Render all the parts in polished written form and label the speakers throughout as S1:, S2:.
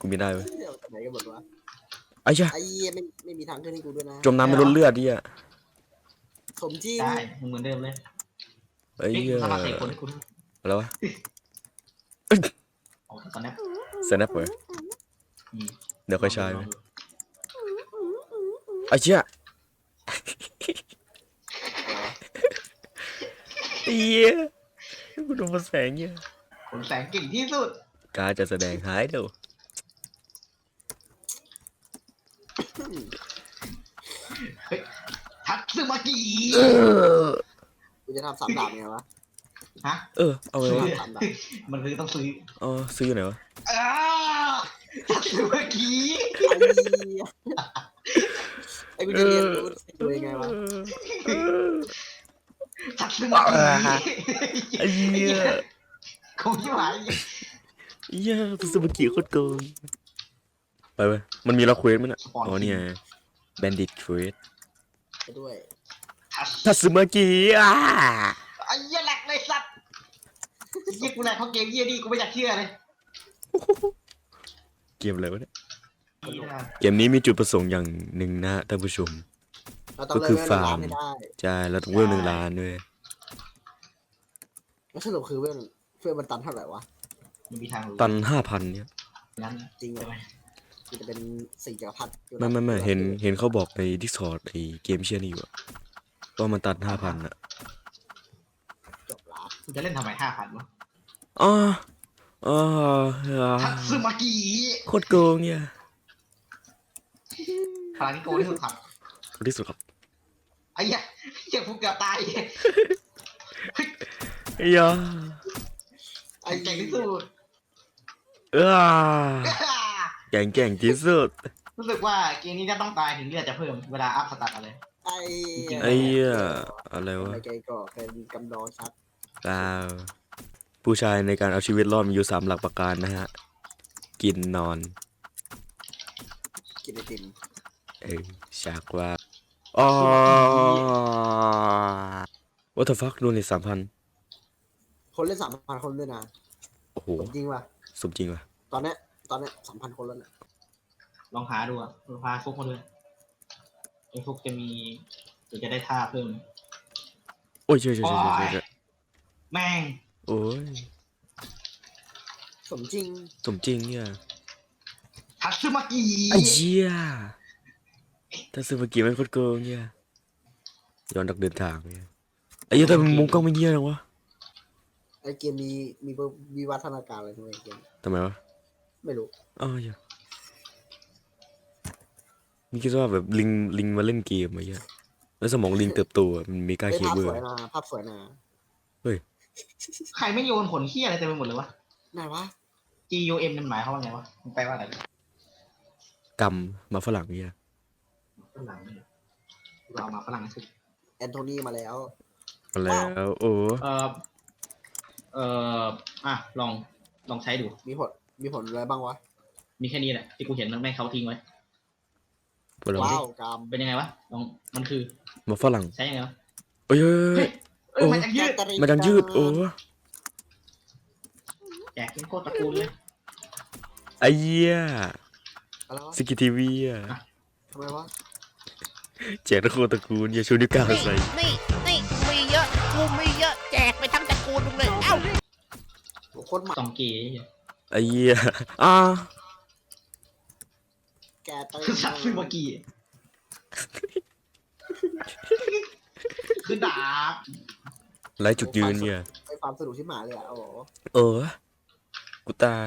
S1: กูมีได้เว้ย
S2: เดี๋ยวไหนกันหมดวะ
S1: ไอ้เชี่ย
S2: ไอ้เหี้ยไม่มีทางขึ้นให้กูด้วยนะ
S1: จมน้ำไม่ลดเลือดดิอ่ะ
S2: สมจริง
S3: ได้มึงเหมือนเดิมเลย
S1: ไอ้
S3: นี่
S1: เหี้ย
S3: สมัครเตะคนให้คุณ
S1: อะไรวะ
S3: ออกตอนนี้
S1: สแนปเว้ยเดี๋ยวค่อยใช้เว้ยไอ้เชี่ยเหี้ยกูโดนมาแสงเหี้ย
S3: ผมแสงเก่งที่สุด
S1: การจะแสดงหายเดี๋ยว
S3: ทัตสึมากิ
S2: กูจะทำสามดาบไงวะ
S3: ฮะ
S1: เอาไงวะ
S2: สามดาบ
S3: มันคือต้องซื้อ
S1: ซื้อไหนวะ
S3: ทัตสึมากิ
S2: ไอ้กูจะเรียนรู้ดูยังไงวะ
S3: ทัตสึมากิ
S1: ไอ้เหี้ย
S3: คงที่หมาย
S1: เหี้ยตัวสมุกี้โคตรโกงไปเว้ยมันมีล็อกเควสมั้ยน่ะอ๋อเนี่ยแบนดิตเควส
S2: ไปด้วย
S1: ทัตสึมากิ
S3: ไอ้เหี้ยแหลกเลยสัตว์เหี้ยกูแหลกเขาเกมเหี้ยนี่กูไม่อยากเชื่อเลย
S1: เกมอะไรวะเนี่ยเกมนี้มีจุดประสงค์อย่างหนึ่งนะท่านผู้ชม
S2: เราต้อง
S1: ก็คือ
S2: เลิก
S1: ฟาร์ม
S2: ให้ได้
S1: ใช่เราต้องเวล1 ล้านด้วย
S2: แล้วสรุปคือเพื่อนมันตันเท่าไหร่วะ
S3: มันมีทางรู้
S1: ตัน5,000เนี่ย
S3: นั้น
S2: จริงเหร
S3: ใช่
S2: อ
S3: ไหม
S2: มันจะเป็น4 จักรพรรดิ
S1: ไม่เห็นเขาบอกใน Discord ไอ้เกมเชียร์นี่อยู่อะว่ามันตัน5,000อะ
S2: จบละ
S3: กูจะเล่นทำไม5,000วะ
S1: อ๋อ
S3: ทัตสึมากิ
S1: โคตรโกงเนี่ย
S3: พลังที่โกงที่สุดครับ
S1: คนที่สุดครับ
S3: ไอ้เหี้ยเหี้ยฟุกเกือบตาย
S1: ไอ้ยา
S3: ไอ้เก่งที่สุด
S1: แก่งที่สุด
S3: รู้สึกว่าเกมนี้จะต้องตายถึงเลือดจะเพิ่มเวลาอัพสตาร์ทอะไร
S2: ไอ้
S1: ไอ้เหี้ยอะไรวะ
S2: ไอ้ไก่ก็เป็นกำดองชัด
S1: เปล่าผู้ชายในการเอาชีวิตรอดมีอยู่3 หลักประการนะฮะ กินนอน
S2: กินไอติม
S1: ฉากว่าอ๋อ what the fuck โดนเลย3,000
S2: คนเล่น3,000 คนด้วยนะ
S1: โอ้โห
S2: จริงว่ะ
S1: สมจริงว่ะ
S2: ตอนเนี้ย3,000 คนแล้วนะ
S3: ลองหาดูอ่ะพาฟุกมาด้วยไอ้ฟุกจะมีเดี๋ยวจะได้ท่าเพิ่ม
S1: โอ้ยเช่
S3: แม่ง
S1: โอ้ย
S2: สมจริง
S1: สมจริงเนี่ย
S3: ทัตสึมากิ
S1: ไอ้เหี้ยถ้าซื้อมากี่มันโคตรโกงเนี่ยย้อนดักเดินทางเนี่ยไอ้เหี้ยแต่มันมุมกล้องไม่เหี้ยหรอวะ
S2: ไอเกมนี้มีวิวัฒนาการอะไรด้วยเกม
S1: ทำไมวะ
S2: ไม่รู้
S1: อ้าวเหี้ยนี่คิดว่าแบบลิงมาเล่นเกมอะไรเงี้ยแล้วสมองลิงเติบโตอะมันมีกล้า
S2: ไอ
S1: เค
S2: ภาพ
S1: เบิ
S2: ส
S1: ล
S2: วยนะภาพสวยนะ
S3: ใครไม่โยนผลเหี้ยอะไรเต็มไปหมดเลยวะ
S2: ไหนวะ
S3: GUM มันหมายความว่าไงวะมันแปลว่าอะไร
S1: กำมาฝรั่งเนี่ย
S3: ฝรั่งเนี่ยเรามาฝรั่งสิ
S2: แอนโทนีมาแล้ว
S1: มาแล้วโอ้
S3: เอ่อลองใช้ดู
S2: มีผลอะไรบ้างวะ
S3: มีแค่นี้แหละที่กูเห็นมันแม่งเขาทิ้งไว้
S1: ฝรั่ง
S2: ว้าวกาม
S3: เป็นยังไงวะลองมันคือ
S1: มาฝรั่ง
S3: ใช้ยังไงวะ
S1: เอ้ย
S3: เอ้ยมันจะยืด
S1: มันดังยืดโอ้
S3: แจกเป็นโคตรตระกูลเลย
S1: ไอ้เหี้ย
S2: อะไรวะ
S1: สกิทีวีอ่ะ
S2: ทำไมวะ
S1: แจกตะโกนตระกูลอย่าชูนิ้วกลางใส่
S4: นี่มีเยอะกูมีเยอะแจกไปทั้งตระกูลมึงเลยเอ้า
S2: โคตรหมา
S3: สองเก๋
S1: ไอ้เหี้ยอ่า
S2: แกเตย
S3: สัตว์ซึ่งเมื่อกี้คือดาบ
S1: ไร้จุดยืนเนี่ย
S2: ไอความสนุกที่หมาเลยอ่ะโอ้โห
S1: กูตาย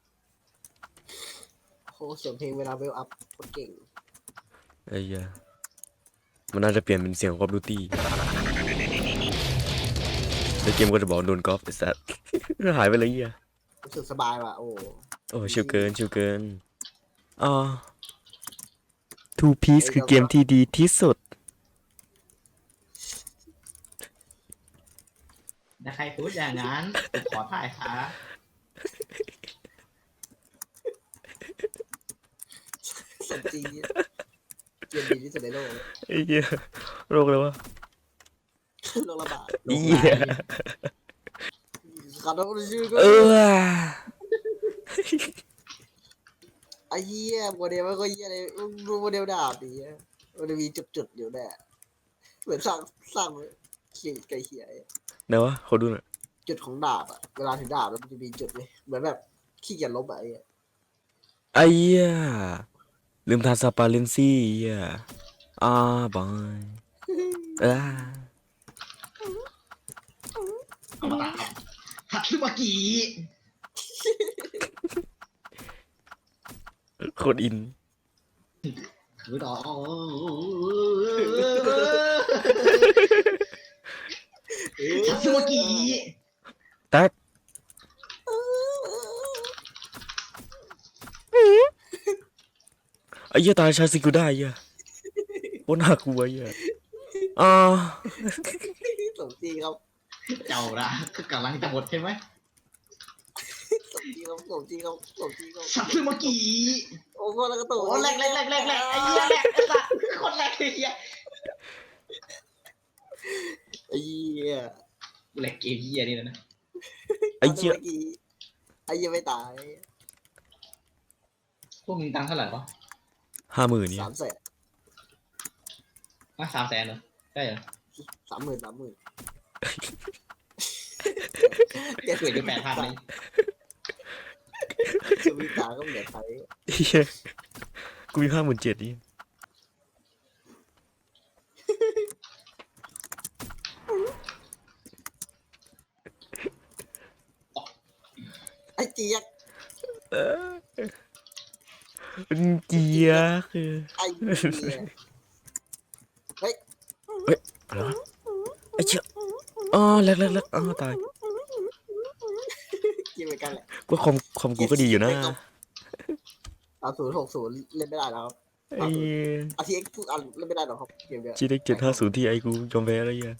S2: โหเสียงเพลงเวลาเวลอัพโคตรเก่ง
S1: ไอ้เหี้ยมันน่าจะเปลี่ยนเป็นเสียงคอฟดูตี้แล้วเกมก็จะบอกโดนกอล์ฟไอ้สัส หายไปเลยเหี้ย
S2: รู้สึกสบายว่ะโอ้โห
S1: โอ้ชิวเกินอ๋อ Two Piece คือเกมที่ดีที่สุด
S3: ถ้าใครพูดอย่างนั้นผมขอถ่ายค่ะ
S2: สมจริงเนี่ยเกมดีที่สุดในโลก
S1: ไอ้เหี้ยโรคเลยวะ
S2: โลกระบาด
S1: เหี้ย
S2: ขอโทษชื่อก็
S1: เออ
S2: ไอ้เหี้ยโมเดลมันก็เหี้ยเลยดูโมเดลดาบดิมันจะมีจุดๆอยู่แน่เหมือนสร้างเขียไก่เขีย
S1: ไหนวะขอดูหน่อย
S2: จุดของดาบอะเวลาถึงดาบแล้วมันจะมีจุดเลยเหมือนแบบขี้เกียจลบอะไอ้เหี้ย
S1: ไอ้เหี้ยลืมทานสปาเลนซี่เหี้ยบายอ่า
S3: เอามาตามฮัตสึมากิ
S1: โคตรอิน
S3: ถือต่อฮัตสึมากิ
S1: แตกไอ้เหี้ยตายชาซิกูได้เหี้ยโคตรน่ากลัวเหี้ยอ่า
S2: สมจริงครับ
S3: เจ้าละกำลังจะหมดใช่ไหม
S2: สมจริงครับสมจริงครับสมจริงครับ
S3: ฮัตสึมากิ
S2: โอ้โหแล้วก็ตัว
S3: โอ้แรกไอ้เหี้ยแรกไอ้สัสคนแรกเลยเหี้ย
S2: ไอ้เหี้ย
S3: แรกเกมเหี้ยนี่นะ
S1: ไอ้เหี้ย
S2: ไอ้เหี้ยไม่ตาย
S3: พวกมึงตังค์เท่าไหร่วะ
S1: 50,000เนี่ย
S2: 300,000
S3: 300,000เหรอได้เหรอ
S2: 30,000
S3: เกิดอยู่8,000เลย
S2: ชีวิตตาก็เหมือนไทย
S1: เหี้ยกูมี57,000นี่
S2: ไอ้เจี๊ยก
S1: มันเกียร์คือ
S2: ไอ้เหี้ยเฮ้ย
S1: อะไรวะไอ้เชี่ยแรกตาย
S2: กินเหมือนกันแหละ
S1: ก็คอมกูก็ดีอยู่นะ
S2: 3060เล่นไม่ได้แล้วครับ
S1: ไอ้
S2: RTX ทุกอันเล่นไม่ได้หรอกครับเกมเนี้ย
S1: จีเด็ก750ที่ไอ้กูยอมแพ้แล้วเหี้ย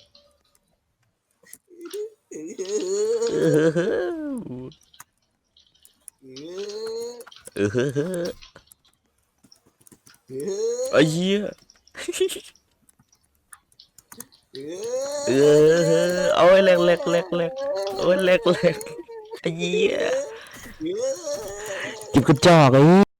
S1: ไอ้เหี้ยเอาไอ้แรกเอาไอ้แรกไอ้เหี้ยจิบกระจอกไอ้